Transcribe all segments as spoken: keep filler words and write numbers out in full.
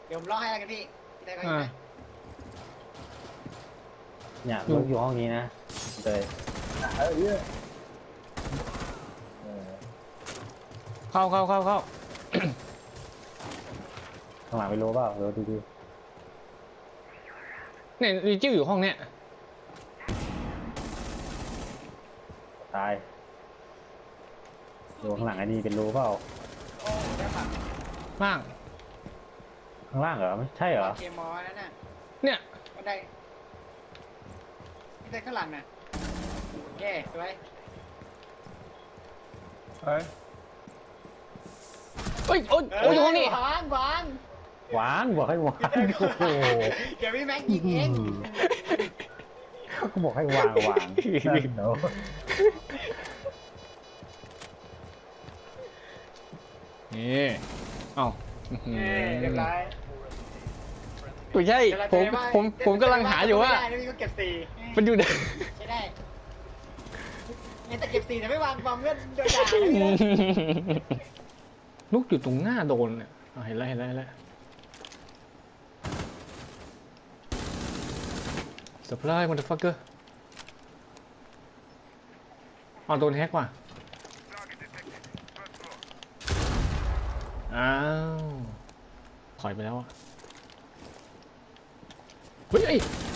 เดี๋ยวผมล็อกให้แล้วกันพี่ได้ไหมเนี่ยลูกอยู่ห้องนี้นะเลยเออเยอะเข้าเข้าเข้าเข้าข้างหลังไม่รู้เปล่าเดี๋ยวดูดิเนี่ยรีจิ้วอยู่ห้องเนี้ยตายดูข้างหลังไอ้นี่เป็นรู้เปล่าโอ้ได้ฝั่งล่างข้างล่างเหรอไม่ใช่เหรอเคมอนั่นน่ะเนี่ยก็ได้พี่ได้ข้างหลังน่ะแย่สวยเฮ้ยเฮ้ยโอ้ยโอ้ยอยู่ห้องนี้วางวางหวานบอกให้หวานโอ้โหเดี๋ยวพี่แม็กยิงเองก็บอกให้วางวางนั่นเนาะนี่เอ้าเรียบร้อยไม่ใช่ผมผมผมกำลังหาอยู่ว่าไม่ได้นะพี่ก็เก็บสี่มันอยู่ไหนใช่ได้เนี่ยแต่เก็บสี่แต่ไม่วางบอมก็โดนด่าเลยลูกอยู่ตรงหน้าโดนเนี่ยเห็นแล้วเห็นแล้วเห็นแล้วเซอร์ไพรส์มันเดอะฟักเกอร์อ๋อโดนแฮกว่ะอ้าวถอยไปแล้วอ่ะเฮ้ยไอ้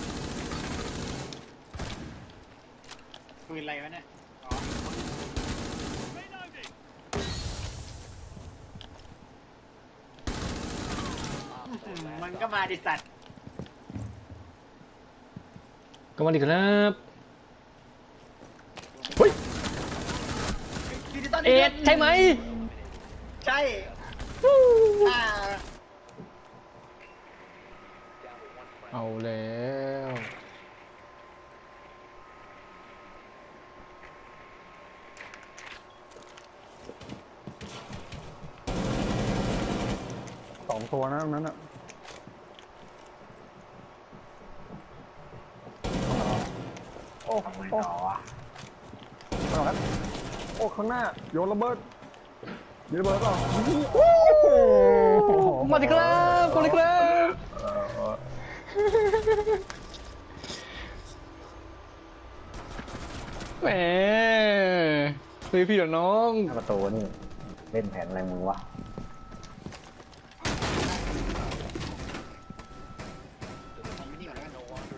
ปืนอะไรวะเนี่ยอ๋อมันก็มาดิสัตว์ก็มาดีครับเฮ้ยดิจิตอลเอ็ดใช่ไหมใช่อ่าเอาแล้วสองตัวนะตรงนั้นอ่ะโอ้โอ้ข้างหลังโอ้ข้างหน้าโยนระเบิดโยนระเบิดเปล่าโอ้โหมาดีครับมาดีครับแหมพี่พี่เดี๋ยวน้องประตูนี่เล่นแผนอะไรมึงวะไม่นี่ก่อนแล้วกัน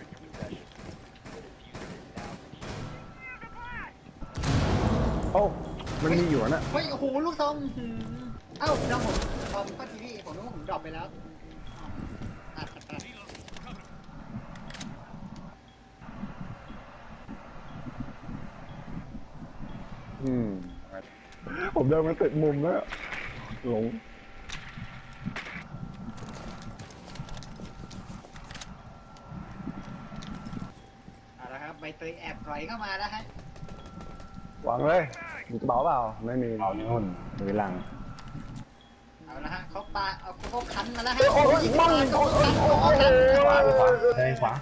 โอ้มันมีอยู่น่ะเฮ้ยโอ้โหลูกซองเอ้าน้องผมพอมก็ทีวีผมนึกว่าผมดรอปไปแล้วตัดตัดตัดอืมผมเดินมาติดมุมแล้วหลงเอาละครับใบเตยแอบถอยเข้ามาแล้วฮะวางเลยมีกระเป๋าเปล่าไม่มีเอาในหุ้นมือหลังเอาละฮะเขาปาเอาเขาคันมาแล้วฮะโอ้ยมั่งเขาโอ้ยคันโอ้เขาคันยขวาขวาได้ขวา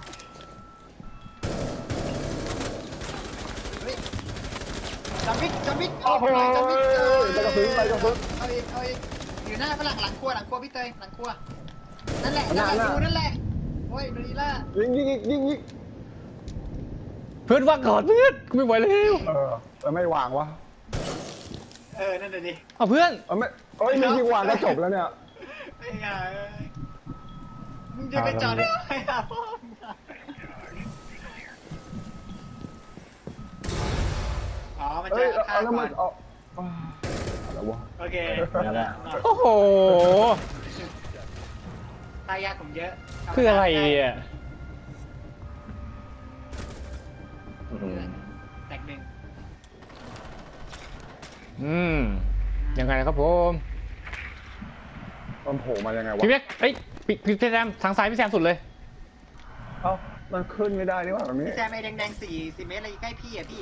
เฮ้ยจอมวิกจอมวิกออกหน่อยจอมวิกเออไปกระพริบไปกระพริบเอาอีกเอาอีกอยู่หน้าฝรั่งหลังครัวหลังครัวพี่เตยหลังครัวนั่นแหละนั่นแหละดูนั่นแหละโอ้ยดูดีล่ะยิงยิงยิงยิงยิงเพื่อนว่างก่อนเพื่อนกูไม่ไหวแล้วเออเออไม่วางวะเออนั่นเลยดิเอาเพื่อนเออไม่เอ้ยมียิงวางก็จบแล้วเนี่ยไอ้ห่าเอ้ยมึงจะไปจอดได้ไงอ่ะพ่อมึงอ่ะอ๋อมันเอ้จะยฆ่าเอาแล้วก่มัอน นเอาอะไรวะโอเคโอ้โหตายยากผมเยอะคืออะไรอ่ะแตกหนึ่งอืมยังไงนะครับผมมันโผล่มายังไงวะพี่เบ๊กเอ้ยพี่พี่แซมทางซ้ายพี่แซมสุดเลยเอ้ามันขึ้นไม่ได้นี่หว่าแบบนี้พี่แซมไอ้แดงๆสี่สี่เมตรอะไรใกล้พี่อ่ะพี่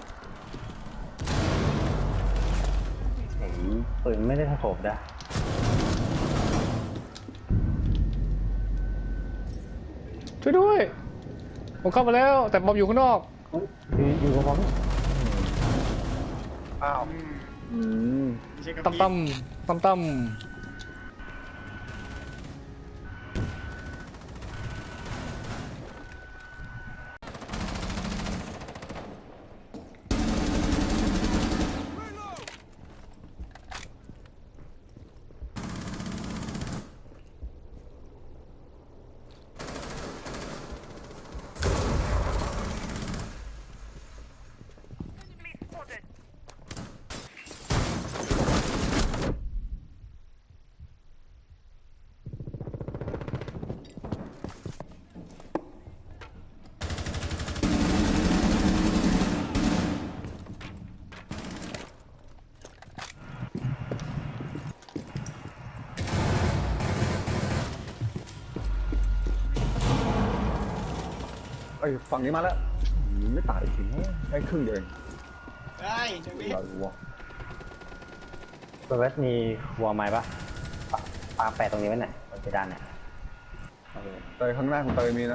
ปืนไม่ได้สะโขบนะช่วยด้วยผมเข้ามาแล้วแต่บอมอยู่ข้างนอกอยู่อยู่กับผมอ้าวอืมอืมไม่ใช่กับตั้มพี่ตั้มตั้มตั้มเอ้ยฝั่งนี้มาแล้วอืมไม่ตายจริงๆให้ครึ่งเดียวเองเฮ้ยเดี๋ยวนี้เราวัวเบิร์ดมีวัวไหมปะปะปาแปะตรงนี้ไว้หน่อยบนเพดานเนี่ยเตยข้างหน้าของเตยมีนะ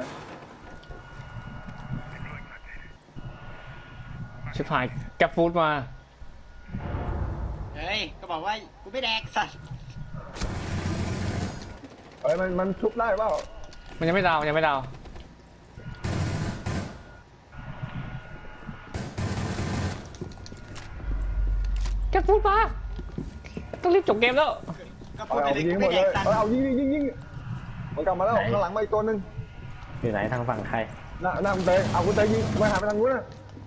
ชิบหายแกปฟูดมาเฮ้ยก็บอกว่ากูไม่แดกสัตว์เอ้ยมันมันชุบได้เปล่ามันยังไม่ดาวยังไม่ดาวแกปฟูดมาต้องรีบจบเกมแล้วก็เอาพูดไปเอาเลยยิกูงหมไม่ดแดเลกยสัตว์เอาเอายิงยิงยิงยิงมันกลับมาแล้วข้างหลังมาอีกตัวหนึ่งอยู่ไหนทางฝั่งใครหน้าหน้าคุณเตยเอาคุณเตยยิงไปหาไปทางนู้นนะ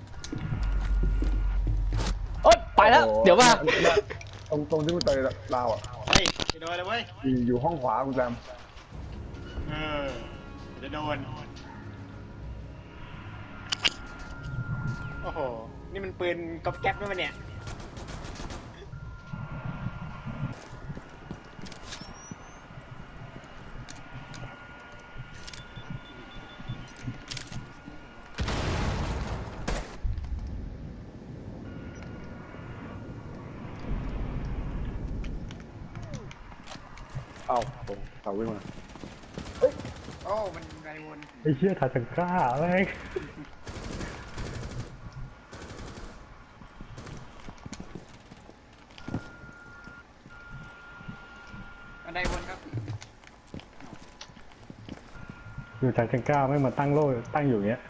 โอ๊ยไปแล้วโอ้โหเดี๋ยวมานี่ตรงตรงที่คุณเตยลาวอ่ะเฮ้ยจะโดนเลยเว้ยอยู่อยู่ห้องขวาคุณแซมเออจะโดนโอ้โหนี่มันปืนก๊อบแก๊ปด้วยมันเนี่ยเอ้าโอ้เสาวิ่งมาโอ้มันไรวนไอ้เชี่ยทาจังก้าแม่งมันไรวนครับอยู่ทาจังก้าไม่มาตั้งโล่ตั้งอยู่เงี้ย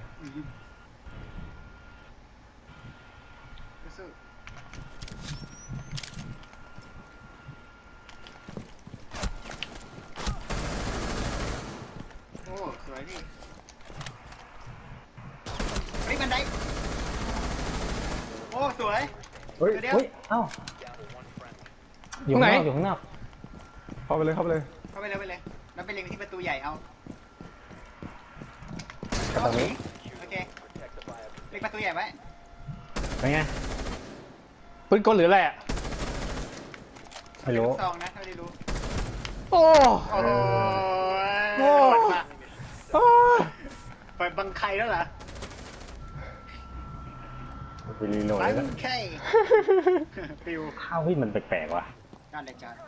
สู้โอ้สวยพี่เฮ้ยบันไดโอ้สวยเฮ้ยเดี๋ยวเฮ้ยเอ้าอยู่ข้างนอกอยู่ข้างนอกเข้าไปเลยเข้าไปเลยเข้าไปเลยไปเลยแล้วไปเล็งที่ประตูใหญ่เอากระตรงนี้โอเคเล็งประตูใหญ่ไว้เป็นไงปืนกลหรืออะไรอ่ะไม่รู้ลูกซองนะเท่าที่รู้โอ้โอ้โหโอ้โหดมากโอ้เปิดบังใครแล้วเหรอไปรีโหลดบัแล้วงใครฟิวข้าวพี่มันแปลกๆว่ะนั่นเลยจ้า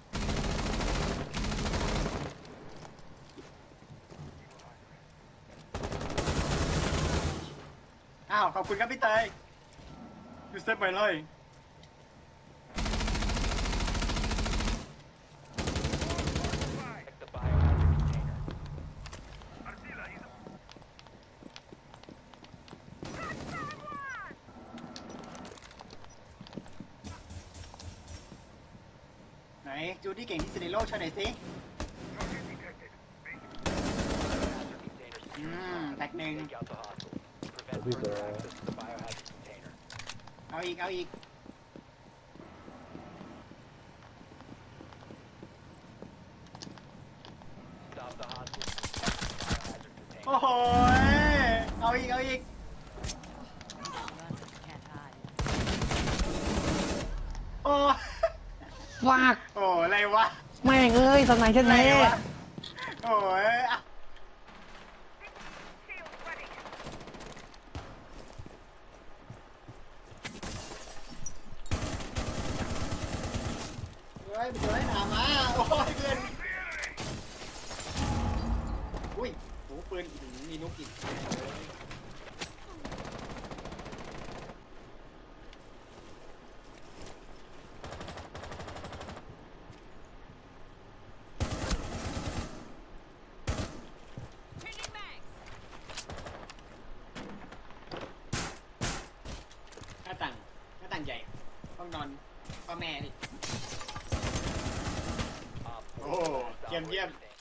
อ้าวขอบคุณครับพี่เตยยูเซฟไปเลยไหนจูดี้เก่งที่สุดในโลกโชว์หน่อยสิอืมแตกหนึ่งเอาอีก เอาอีก โอ้โห เอาอีก เอาอีก โอ้ฟากโอ้อะไรวะแม่งเอ้ยสไนเช่นอะไรนี้วะ โอ้ยอ่ะเฮ้ยมันจะได้หนามาโอ้ยเพื่อนอุ้ยโหปืนอื้อหือมีนุกอีกานใหญ่ห้องนอนพ่อแม่นี่โอ้เยี่ยมเยี่ยม